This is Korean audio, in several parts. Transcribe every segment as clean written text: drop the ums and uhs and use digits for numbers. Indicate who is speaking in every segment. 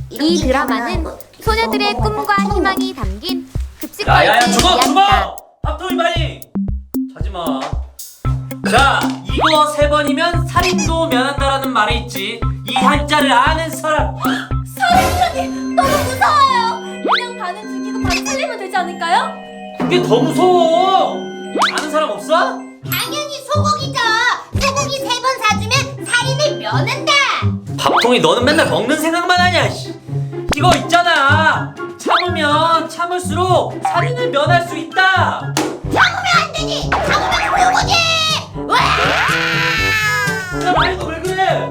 Speaker 1: 이 드라마는 소녀들의 꿈과 희망이 담긴
Speaker 2: 야야야
Speaker 1: 급식거리의
Speaker 2: 죽어
Speaker 1: 이야기다.
Speaker 2: 밥통이 많이 자지마. 자 이거 3번이면 살인도 면한다라는 말이 있지. 이 한자를 아는 사람.
Speaker 3: 살인자님 너무 무서워요. 그냥 반은 죽이고 반 살리면 되지 않을까요?
Speaker 2: 그게 더 무서워. 아는 사람 없어?
Speaker 3: 당연히 소고기죠. 소고기 3번 사주면 살인을 면한다.
Speaker 2: 밥통이 너는 맨날 먹는 생각만 하냐. 이거 있잖아. 참으면 참을수록 살인을 면할 수 있다.
Speaker 3: 참으면 안 되지. 참으면 소고기. 와!
Speaker 2: 야 말도 왜 그래?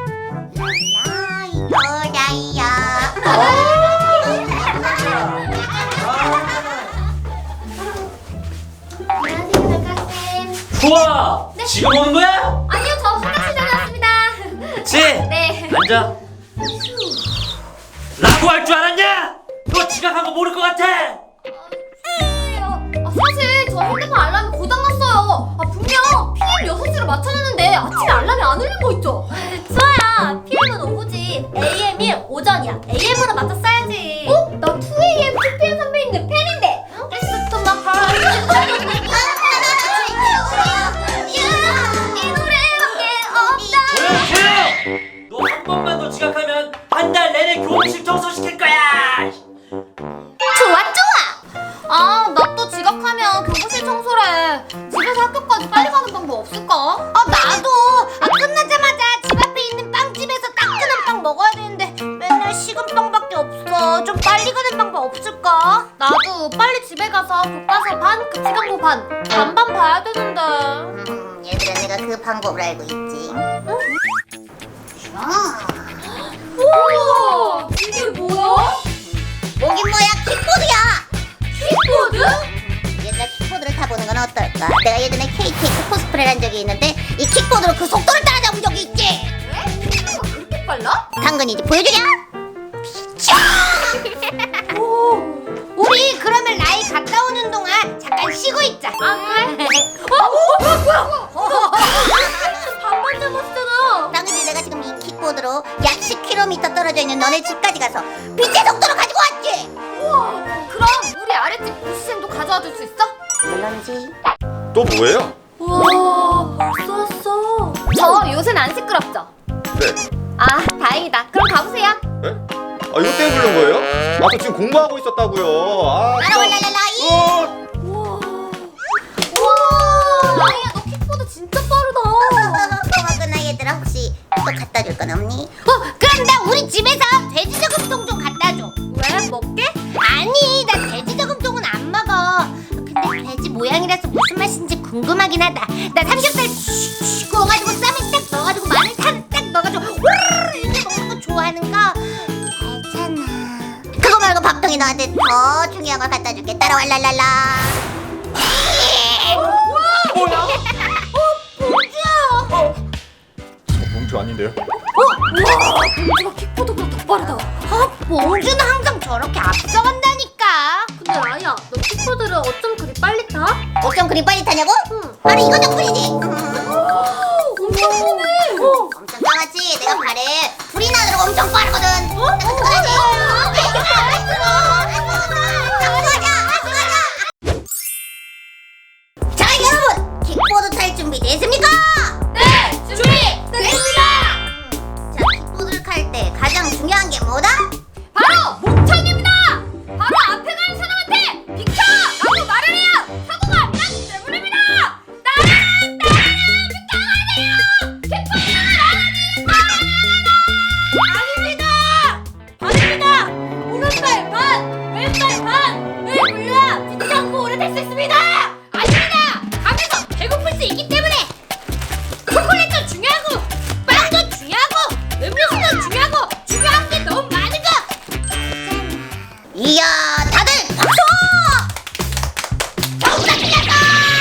Speaker 2: 좋아.
Speaker 3: 네.
Speaker 2: 지금 오는 거야?
Speaker 3: 아니요, 저 화장실 다녀왔습니다.
Speaker 2: 그치?
Speaker 3: 네.
Speaker 2: 앉아. 라고 할 줄 알았냐? 너 지각한 거 모를 것 같아.
Speaker 3: 사실 저 핸드폰 알람이 고장났어요. 분명 PM 6시로 맞춰놨는데 아침에 알람이 안 울린 거 있죠? 수아야, PM은 오후지. AM이 오전이야. AM으로 맞춰 써야지. 나 2AM, 2PM 선배님들 팬인데. It's to my heart. 이 노래밖에 없다.
Speaker 2: 조용히! 너 한 번만 더 지각하면 한 달 내내 교무실 청소시킬 거야.
Speaker 3: 좋아. 나 또 지각하면 교무실 청소래. 집에서 학교까지 빨리 가는 방법 없을까? 나도. 끝나자마자 집 앞에 있는 빵집에서 따끈한 빵 먹어야 되는데 맨날 식은 빵밖에 없어. 좀 빨리 가는 방법 없을까? 나도 빨리 집에 가서 교과서 반, 급식광고 반, 반반 봐야 되는데.
Speaker 4: 얘들아, 내가 그 방법을 알고 있지.
Speaker 3: 우와! 이게 뭐야?
Speaker 4: 뭐긴 뭐야, 킥보드야.
Speaker 3: 킥보드?
Speaker 4: 얘들아, 킥보드를 타보는 건 어떨까? 내가 예전에 KTX 코스프레를 한 적이 있는데 이 킥보드로 그 속도를 따라잡은 적이 있지.
Speaker 3: 왜? 킥보드가 그렇게 빨라?
Speaker 4: 당근이 이제 보여주랴.
Speaker 3: 우리 그러면 라이 갔다 오는 동안 잠깐 쉬고 있자. 그래? 뭐야? 반반 잡았잖아.
Speaker 4: 당근이 내가 지금 이 킥보드로 약 10km 떨어져 있는 너네 집까지 가서 빛의 속도로 가지고 왔지.
Speaker 3: 우와, 그럼 우리 아랫집 부시생도 가져와 줄 수 있어?
Speaker 4: 물론이지.
Speaker 5: 또 뭐예요?
Speaker 3: 우와, 벌써 왔어. 저 요새는 안 시끄럽죠?
Speaker 5: 네.
Speaker 3: 다행이다. 그럼 가보세요.
Speaker 5: 네? 이것 때문에 부른 거예요? 저 지금 공부하고 있었다고요.
Speaker 4: 라라라라라이.
Speaker 3: 우와, 라이야, 너 킥보드 진짜 빠르다.
Speaker 4: 고맙구나 얘들아. 혹시 또 갖다 줄 건 없니?
Speaker 3: 그럼 나 우리 집에서 돼지 저금통 좀 갖다 줘. 왜? 먹게? 아니, 나 돼지 저금통은 안 먹어. 근데 돼지 모양이라서 무슨 맛인지 궁금하긴 하다. 나 삼겹살 슉슉 구워가지고 쌈에 딱 넣어가지고 마늘 딱 넣어가지고 후루루 이렇게 먹는 거 좋아하는 거 알잖아.
Speaker 4: 그거 말고 밥통이 너한테 더 중요한 걸 갖다 줄게. 따라와 랄랄라.
Speaker 3: 뭐야? 봉주야.
Speaker 5: 저 봉투 아닌데요?
Speaker 3: 우와, 봉주가 킥보드보다 더 빠르다. 봉주는 항상 저렇게 앞서간다니까. 근데 라이야, 너 킥보드를 어쩜 그리 빨리 타?
Speaker 4: 어쩜 그리 빨리 타냐고?
Speaker 3: 응.
Speaker 4: 바로 이거 덕분이지.
Speaker 3: 엄청 빠르네.
Speaker 4: 엄청 강하지. 내가 발에 불이 나도록 엄청 빠르거든. 어떡하지? 자 여러분, 킥보드 탈 준비 됐습니까?
Speaker 3: 네, 준비 됐습니다.
Speaker 4: 자, 킥보드를 탈 때 가장 중요한 게 뭐다?
Speaker 3: 바로 목청입니다. 바로 앞에 가는 사람한테 비켜! 라고 말을 해야 사고가 안 나기 때문입니다. 따란 비켜가세요. 킥보드를 아닙니다. 반입니다. 오른발 반, 왼발 반을 굴려야 뒤지 않고 오래 탈 수 있습니다. 아닙니다. 가면서 배고플 수 있기 때문에 초콜릿도 중요하고 빵도 중요하고 음료수도 중요하고 중요한 게 너무 많은 거.
Speaker 4: 이야, 다들 박수! 전부 다 틀렸다!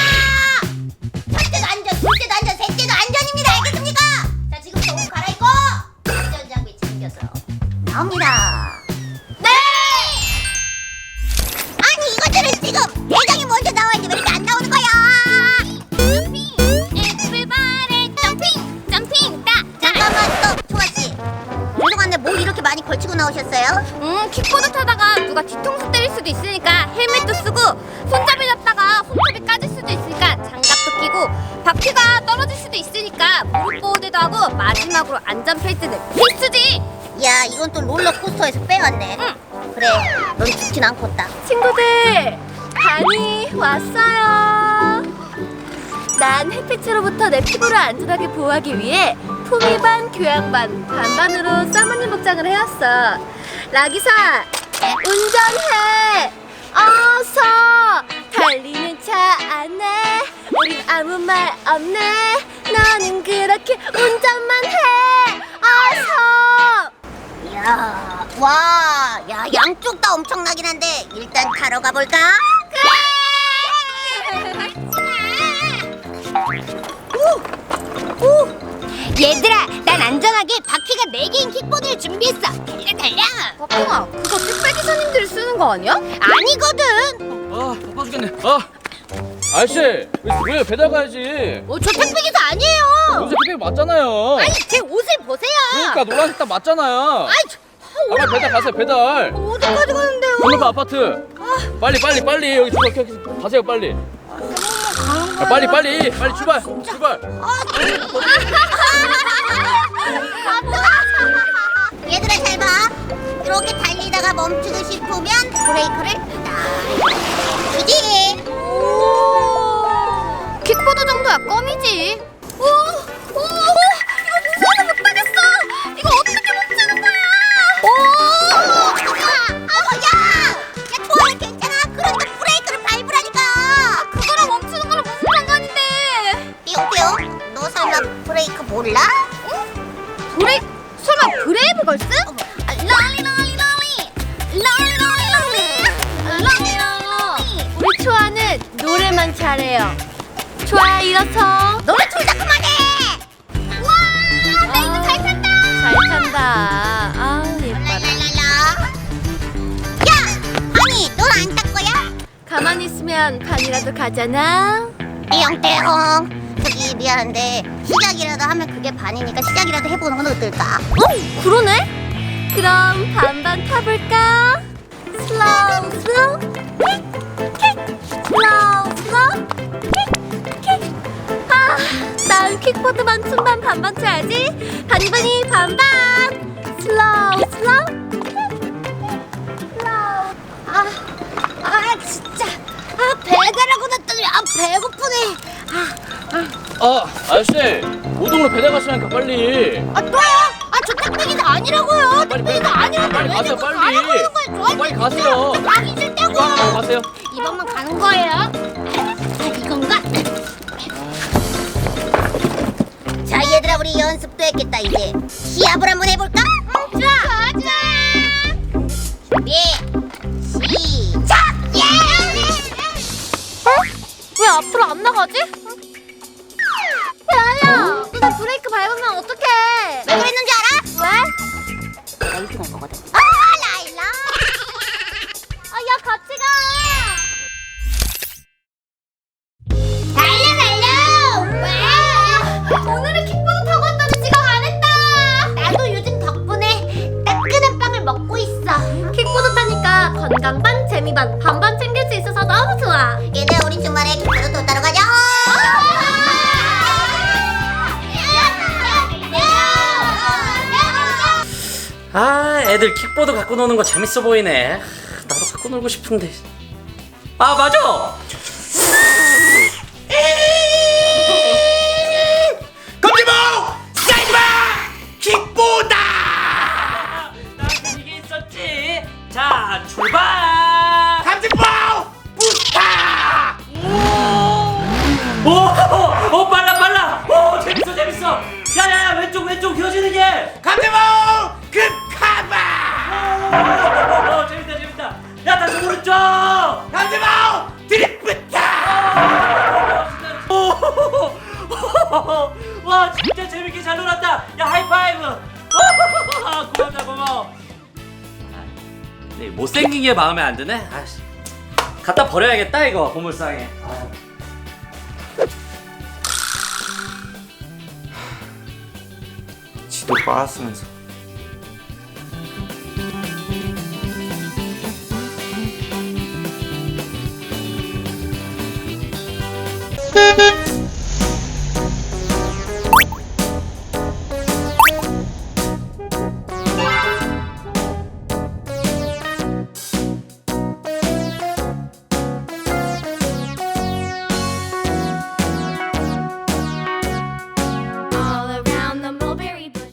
Speaker 4: 첫째도 안전, 둘째도 안전, 셋째도 안전입니다. 알겠습니까? 자, 지금부터 옷 갈아입고 안전장비 챙겨서 나옵니다.
Speaker 3: 네.
Speaker 4: 아니, 이것들은 지금 대장이 먼저 나왔는데 왜 이렇게 안 나오는 거야?
Speaker 3: Everybody jumping, jumping,
Speaker 4: 잠깐만, 또 초아씨. 죄송한데 뭐 이렇게 많이 걸친 하시고 나오셨어요?
Speaker 3: 킥보드 타다가 누가 뒤통수 때릴 수도 있으니까 헬멧도 쓰고 손잡이 잡다가 손잡이 까질 수도 있으니까 장갑도 끼고 바퀴가 떨어질 수도 있으니까 무릎 보호대도 하고 마지막으로 안전벨트는 필수지.
Speaker 4: 야, 이건 또 롤러코스터에서 빼왔네. 그래, 넌 죽진 않겠다.
Speaker 3: 친구들, 반이 왔어요. 난 햇빛으로부터 내 피부를 안전하게 보호하기 위해 품위반, 교양반, 반반으로 사모님 복장을 해왔어. 라기사, 운전해! 어서! 달리는 차 안에 우린 아무 말 없네. 너는 그렇게 운전만 해! 어서!
Speaker 4: 야, 양쪽 다 엄청나긴 한데 일단 타러 가볼까?
Speaker 3: 얘들아, 난 안전하게 바퀴가 4개인 킥보드를 준비했어. 달려! 박동아, 그거 택배 기사님들이 쓰는 거 아니야? 아니거든.
Speaker 6: 아 바빠 죽겠네. 아저씨 왜 배달 가야지.
Speaker 3: 저 택배 기사 아니에요.
Speaker 6: 요새 택배 맞잖아요.
Speaker 3: 아니, 제 옷을 보세요.
Speaker 6: 그러니까 노란색 딱 맞잖아요.
Speaker 3: 아이,
Speaker 6: 빨리 배달 가세요. 배달.
Speaker 3: 어디까지 가는데요?
Speaker 6: 건너가 아파트. 빨리 여기 가세요 빨리. 빨리 출발.
Speaker 4: 얘들아 잘 봐. 이렇게 달리다가 멈추고 싶으면 브레이크를 딱. 이지.
Speaker 3: 킥보드 정도야 껌이지. 이거 무서워서 못 타겠어. 이거 어떻게 멈추는 거야?
Speaker 4: 야, 좋아, 괜찮아. 그런데 브레이크를 밟으라니까.
Speaker 3: 그거랑 멈추는 거랑 무슨 상관인데?
Speaker 4: 띠용띠용, 너 설마 브레이크 몰라?
Speaker 3: 설마 브레이브 걸스? 우리 초아는 노래만 잘해요. 초아 일어서.
Speaker 4: 노래 둘 다 그만해.
Speaker 3: 와, 나 이제 잘 탄다. 잘 탄다. 아, 예뻐라.
Speaker 4: 랄랄랄라. 야, 아니, 넌 안 탈 거야?
Speaker 3: 가만히 있으면 반이라도 가잖아.
Speaker 4: 띠용띠용. 저기 미안한데 시작이라도 하면 그게 반이니까 시작이라도 해보는 건 어떨까?
Speaker 3: 그러네? 그럼 반반 타볼까? 슬로우 킥 슬로우 킥. 난 킥보드만 춤반 반반 쳐야지. 반반이 반반. 슬로우
Speaker 4: 진짜. 배달하고 났더니 배고프네.
Speaker 6: 아저씨 5동으로 배달 가시라니까 빨리.
Speaker 4: 또요? 저 택배기사 아니라고요. 택배기사 아니라고.
Speaker 6: 빨리 가세요 빨리. 빨리 가세요.
Speaker 4: 가기 싫다고.
Speaker 6: 이거 하나 가세요.
Speaker 4: 이번만 가는 거예요. 이건가? 자, 얘들아, 우리 연습도 했겠다. 이제 시합을 한번 해볼까? 좋아. 준비, 시작. 예!
Speaker 3: 왜 앞으로 안 나가지? 야야, 너 브레이크 밟으면 어떡해?
Speaker 4: 왜 그랬는 줄 알아?
Speaker 3: 왜?
Speaker 4: 나 1등 할 거거든. 라일라.
Speaker 3: 야, 같이 가.
Speaker 4: 달려. 왜?
Speaker 3: 오늘은 킥보드 타고 왔더니 지각 안 했다.
Speaker 4: 나도 요즘 덕분에 따끈한 빵을 먹고 있어.
Speaker 3: 킥보드 타니까 건강 반, 재미 반, 반반 챙길 수 있어서 너무 좋아.
Speaker 4: 얘들아, 우리 주말에 킥보드 또 따러 가자.
Speaker 2: 애들 킥보드 갖고 노는 거 재밌어 보이네. 나도 갖고 놀고 싶은데. 맞아.
Speaker 5: 깜짝마! 사이드마! 킥보다!
Speaker 2: 나한테 이게 있었지. 자, 출발.
Speaker 5: 깜짝마! 부스타!
Speaker 2: 오, 빨라. 오, 재밌어. 야야야, 왼쪽 휘어지는 게.
Speaker 5: 깜짝마! 급카바!
Speaker 2: 재밌다. 야, 다시 오른쪽.
Speaker 5: 깜짝마! 드리프트!
Speaker 2: 와, 진짜 재밌게 잘 놀았다. 야, 하이파이브. 고마워. 네, 못생긴 게 마음에 안 드네. 아씨, 갖다 버려야겠다 이거 보물상에.
Speaker 5: 지도 빨았으면서